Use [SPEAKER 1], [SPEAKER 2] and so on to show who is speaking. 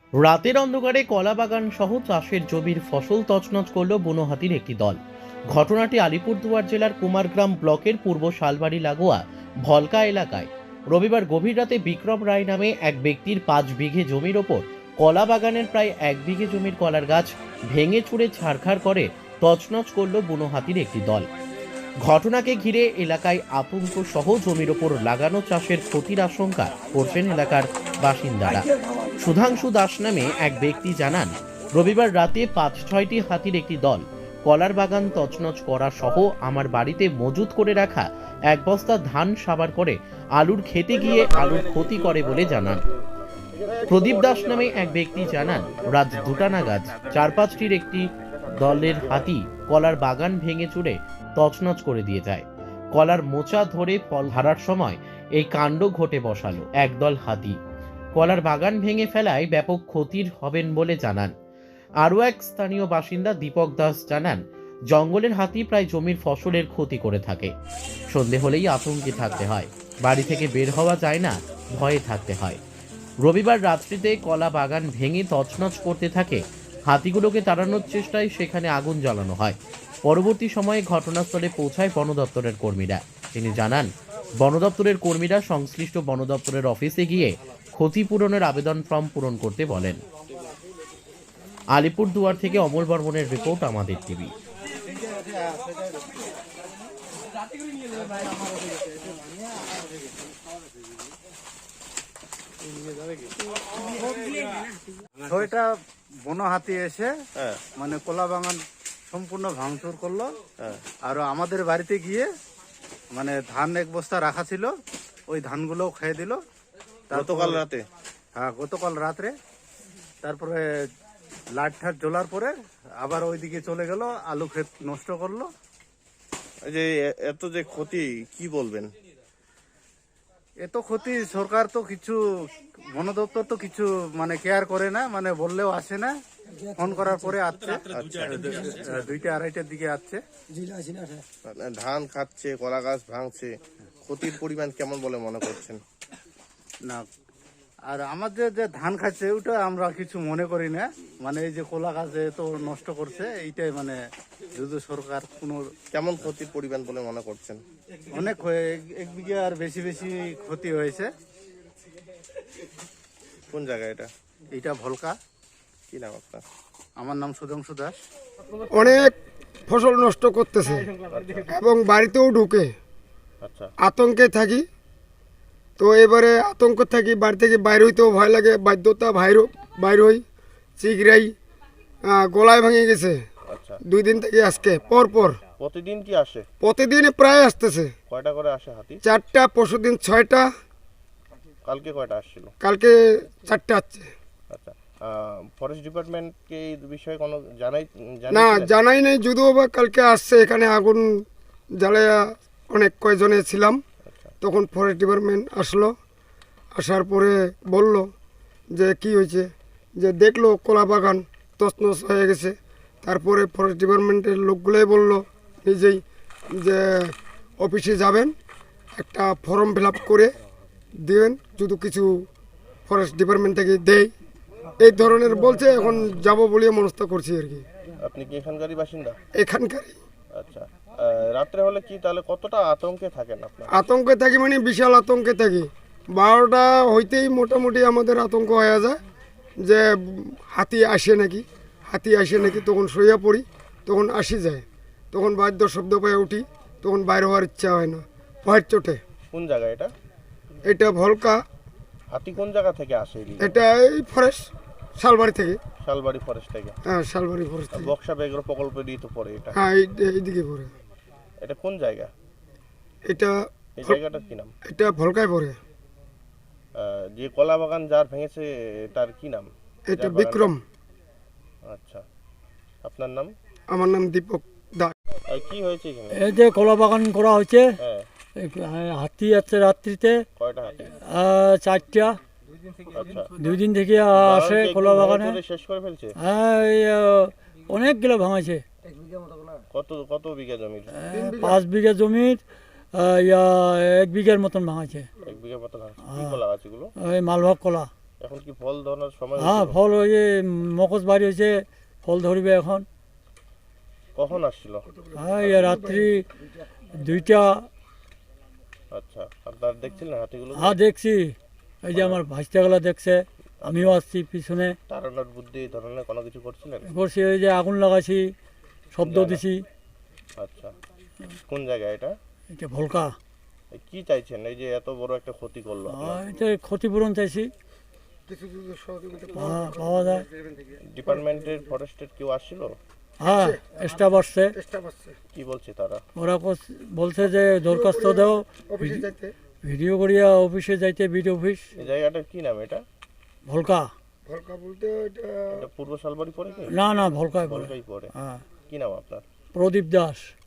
[SPEAKER 1] রাতের অন্ধকারে কলাবাগান সহ চাষের জমির ফসল তছনছ করল বুনো হাতির একটি দল। ঘটনাটি আলিপুরদুয়ার জেলার কুমারগ্রাম ব্লকের পূর্ব শালবাড়ি লাগোয়া ভলকা এলাকায়। রবিবার গভীর রাতে বিক্রম রায় নামে এক ব্যক্তির 5 বিঘে জমির ওপর কলা বাগানের প্রায় 1 বিঘে জমির কলার গাছ ভেঙে চুরে ছারখার করে তছনছ করল বুনো হাতির একটি দল। ঘটনাকে ঘিরে এলাকায় আতঙ্ক সহ জমির ওপর লাগানো চাষের ক্ষতির আশঙ্কা করছেন এলাকার বাসিন্দারা। সুধাংশু দাস নামে এক ব্যক্তি জানান, রবিবার রাতে 5-6টি হাতির একটি দল কলার বাগান তছনছ করা সহ আমার বাড়িতে মজুত করে রাখা 1 বস্তা ধান সাবার করে আলুর খেতে গিয়ে আলুর ক্ষতি করে বলে জানান। প্রদীপ দাস নামে এক ব্যক্তি জানান, রাত 2টা নাগাদ 4-5টির একটি দলের হাতি কলার বাগান ভেঙে চুরে তছনছ করে দিয়ে যায়। কলার মোচা ধরে ফল হারার সময় এই কাণ্ড ঘটে বসালো একদল হাতি। কলার বাগান ভেঙে ফেলায় ব্যাপক ক্ষতির হবেন বলে জানান। আরও এক স্থানীয় বাসিন্দা দীপক দাস জানান, জঙ্গলের হাতি প্রায় জমির ফসলের ক্ষতি করে থাকে। সন্ধে হলেই আতঙ্কে থাকতে হয়, বাড়ি থেকে বের হওয়া যায় না, ভয়ে থাকতে হয়। রবিবার রাত্রিতে কলা বাগান ভেঙে তছনছ করতে থাকে। হাতিগুলোকে তাড়ানোর চেষ্টায় সেখানে আগুন জ্বালানো হয়। পরবর্তী সময়ে ঘটনাস্থলে পৌঁছায় বন দপ্তরের কর্মীরা। তিনি জানান, বন দপ্তরের কর্মীরা সংশ্লিষ্ট বন দপ্তরের অফিসে গিয়ে ক্ষতিপূরণের আবেদন ফর্ম পূরণ করতে বলেন। আলিপুরদুয়ার থেকে অমল বর্মনের রিপোর্ট, আমাদের টিভি।
[SPEAKER 2] ছয়টা বন হাতি এসে মানে কলা বাগান সম্পূর্ণ ভাঙচুর করলো। আর আমাদের বাড়িতে গিয়ে মানে ধান 1 বস্তা রাখা ছিল, ওই ধানগুলো খেয়ে দিল।
[SPEAKER 3] গতকাল রাতে?
[SPEAKER 2] হ্যাঁ, গতকাল রাত্রে। তারপরে লাইট ঠাট জ্বলার পরে আবার ওইদিকে চলে গেল, আলু ক্ষেত নষ্ট করলো।
[SPEAKER 3] এই যে এত যে ক্ষতি, কি বলবেন?
[SPEAKER 2] এত ক্ষতি, সরকার তো কিছু, বন দপ্তর তো কিছু মানে কেয়ার করে না, মানে বললেও আসে না। ফোন করার পরে আসছে, 2টা-2:30টার দিকে আসছে।
[SPEAKER 3] ধান খাচ্ছে, কলা গাছ ভাঙছে, ক্ষতির পরিমাণ কেমন বলে মনে করছেন?
[SPEAKER 2] না, আর আমাদের যে ধান খাচ্ছে ওটা আমরা কিছু মনে করি না, মানে এই যে কলা গাছে তো নষ্ট করছে, এইটাই মানে যদি সরকার কোনো।
[SPEAKER 3] কেমন ক্ষতির পরিমাণ বলে মনে করছেন?
[SPEAKER 2] অনেক 1 বিঘা আর বেশি বেশি ক্ষতি হয়েছে।
[SPEAKER 3] কোন জায়গায় এটা?
[SPEAKER 2] এইটা ভলকা।
[SPEAKER 3] কি নাম আপনার?
[SPEAKER 2] আমার নাম সুধাংশু দাস।
[SPEAKER 4] অনেক ফসল নষ্ট করতেছে এবং বাড়িতেও ঢুকে।
[SPEAKER 3] আচ্ছা,
[SPEAKER 4] আতঙ্কে থাকি, তো এবারে আতঙ্ক থাকি, বাড়ি থেকে বাইর হইতেও ভয় লাগে, বাধ্যতা বাইর হই। চিগড়াই গলায় ভেঙে গেছে
[SPEAKER 3] আচ্ছা।
[SPEAKER 4] 2 দিন থেকে আজকে পর
[SPEAKER 3] প্রতিদিন কি আসে?
[SPEAKER 4] প্রতিদিন প্রায় আসতেছে।
[SPEAKER 3] কয়টা করে আসে হাতি?
[SPEAKER 4] 4টা, পরশুদিন 6টা,
[SPEAKER 3] কালকে কয়টা আসছিল?
[SPEAKER 4] কালকে 4টা আসছে।
[SPEAKER 3] আচ্ছা, ফরেস্ট ডিপার্টমেন্টকে এই বিষয়ে কোনো
[SPEAKER 4] না,
[SPEAKER 3] জানাইছিলেন?
[SPEAKER 4] জানাই নাই, যদিও বা কালকে আসছে, এখানে আগুন জ্বালায়া অনেক কয়জনে ছিলাম। তখন ফরেস্ট ডিপার্টমেন্ট আসলো, আসার পরে বলল যে কি হয়েছে, যে দেখলো কলা বাগান তছনছ হয়ে গেছে। তারপরে ফরেস্ট ডিপার্টমেন্টের লোকগুলোই বলল নিজেই যে অফিসে যাবেন, একটা ফর্ম ফিল আপ করে দিবেন, যদি কিছু ফরেস্ট ডিপার্টমেন্ট থেকে দেয়, এই ধরনের বলছে। এখন যাব বলে মনস্থ করছি আর কি।
[SPEAKER 3] আপনি কি এখানকারই বাসিন্দা?
[SPEAKER 4] এখানকারই।
[SPEAKER 3] আচ্ছা, রাত্রে হলে কি তাহলে কতটা আতঙ্কে থাকেন আপনার?
[SPEAKER 4] আতঙ্কে থাকি, মানে বিশাল আতঙ্কে থাকি। 12টা হইতেই মোটামুটি আমাদের আতঙ্ক হয়ে যায় যে হাতি আসে নাকি। তখন শুয়ে পড়ি, তখন আসি যায়, তখন বাদ্য শব্দ পেয়ে উঠি, তখন বাইরে হওয়ার ইচ্ছা হয় না, ভয়ের চোটে।
[SPEAKER 3] কোন জায়গা এটা?
[SPEAKER 4] এটা ভলকা।
[SPEAKER 3] হাতি কোন জায়গা থেকে আসে এদিকে?
[SPEAKER 4] এটা এই ফরেস্ট শালবাড়ি থেকে।
[SPEAKER 3] শালবাড়ি ফরেস্ট থেকে?
[SPEAKER 4] হ্যাঁ, শালবাড়ি ফরেস্ট থেকে।
[SPEAKER 3] বক্সা ব্যাঘ্র প্রকল্পেরই তো পড়ে এটা?
[SPEAKER 4] হ্যাঁ, এইদিকে পড়ে।
[SPEAKER 3] এটা কোন জায়গা?
[SPEAKER 4] এটা
[SPEAKER 3] এই জায়গাটার কি নাম?
[SPEAKER 4] এটা ভলকায় পড়ে।
[SPEAKER 3] যে কলা বাগান যার ভেঙেছে তার কি নাম?
[SPEAKER 4] এটা বিক্রম।
[SPEAKER 3] আচ্ছা, আপনার নাম?
[SPEAKER 4] আমার নাম দীপক দাস।
[SPEAKER 3] কি হয়েছে এখানে?
[SPEAKER 5] এই যে কলা বাগান করা হয়েছে,
[SPEAKER 3] হ্যাঁ,
[SPEAKER 5] হাতি আছে রাত্রিতে।
[SPEAKER 3] কয়টা হাতি?
[SPEAKER 5] 4টা।
[SPEAKER 3] আচ্ছা,
[SPEAKER 5] 2 দিন থেকে আসে কলা বাগানে।
[SPEAKER 3] শেষ করে ফেলছে?
[SPEAKER 5] হ্যাঁ, অনেকগুলো ভাঙাছে।
[SPEAKER 3] কত বিঘা জমির?
[SPEAKER 5] 5 বিঘা জমির 1 বিঘার মতন ভাঙাছে।
[SPEAKER 3] 1 বিঘা মতো ভাঙছে। কি কলা গাছগুলো?
[SPEAKER 5] ওই মালভোগ কলা।
[SPEAKER 3] এখন কি ফল ধরার সময়
[SPEAKER 5] হ্যাঁ
[SPEAKER 3] হয়েছিল?
[SPEAKER 5] ফল ওই যে মকস বাড়ি হয়েছে, ফল ধরবে এখন।
[SPEAKER 3] কখন আসছিল?
[SPEAKER 5] হ্যাঁ এই রাত্রি 2টা।
[SPEAKER 3] আচ্ছা, আপনার দেখছিলেন হাতিগুলো?
[SPEAKER 5] হ্যাঁ দেখছি, এই যে আমার ভাইস্তাগুলা দেখছে, আমিও আসছি পিছনে।
[SPEAKER 3] তাড়ানোর বুদ্ধি এই ধরনের কোনো কিছু করছিলেন?
[SPEAKER 5] করছি ওই যে আগুন লাগাইছি, শব্দ দিছি।
[SPEAKER 3] আচ্ছা, কোন জায়গায় এটা?
[SPEAKER 5] এটা ভলকা।
[SPEAKER 3] কি চাইছেন এই যে এত বড় একটা ক্ষতি করলো আপনার?
[SPEAKER 5] এটা ক্ষতিপূরণ চাইছি, পাওয়া যায়।
[SPEAKER 3] ডিপার্টমেন্টের ফরেস্টের কেউ আসছিল?
[SPEAKER 5] হ্যাঁ স্টাফ আসছে,
[SPEAKER 3] কি বলছে তারা?
[SPEAKER 5] ওরা বলছে যে দরখাস্ত দাও, ভিডিও করিয়া অফিসে যাইতে, বিডিও অফিস।
[SPEAKER 3] এই জায়গাটার কি নাম এটা?
[SPEAKER 5] ভলকা।
[SPEAKER 4] ভলকা বলতে এটা
[SPEAKER 3] এটা পূর্ব শালবাড়ি পড়ে কি?
[SPEAKER 5] না না ভলকায় বলে।
[SPEAKER 3] বলকাই পড়ে।
[SPEAKER 5] হ্যাঁ
[SPEAKER 3] কি নাম আপনার?
[SPEAKER 5] প্রদীপ দাস।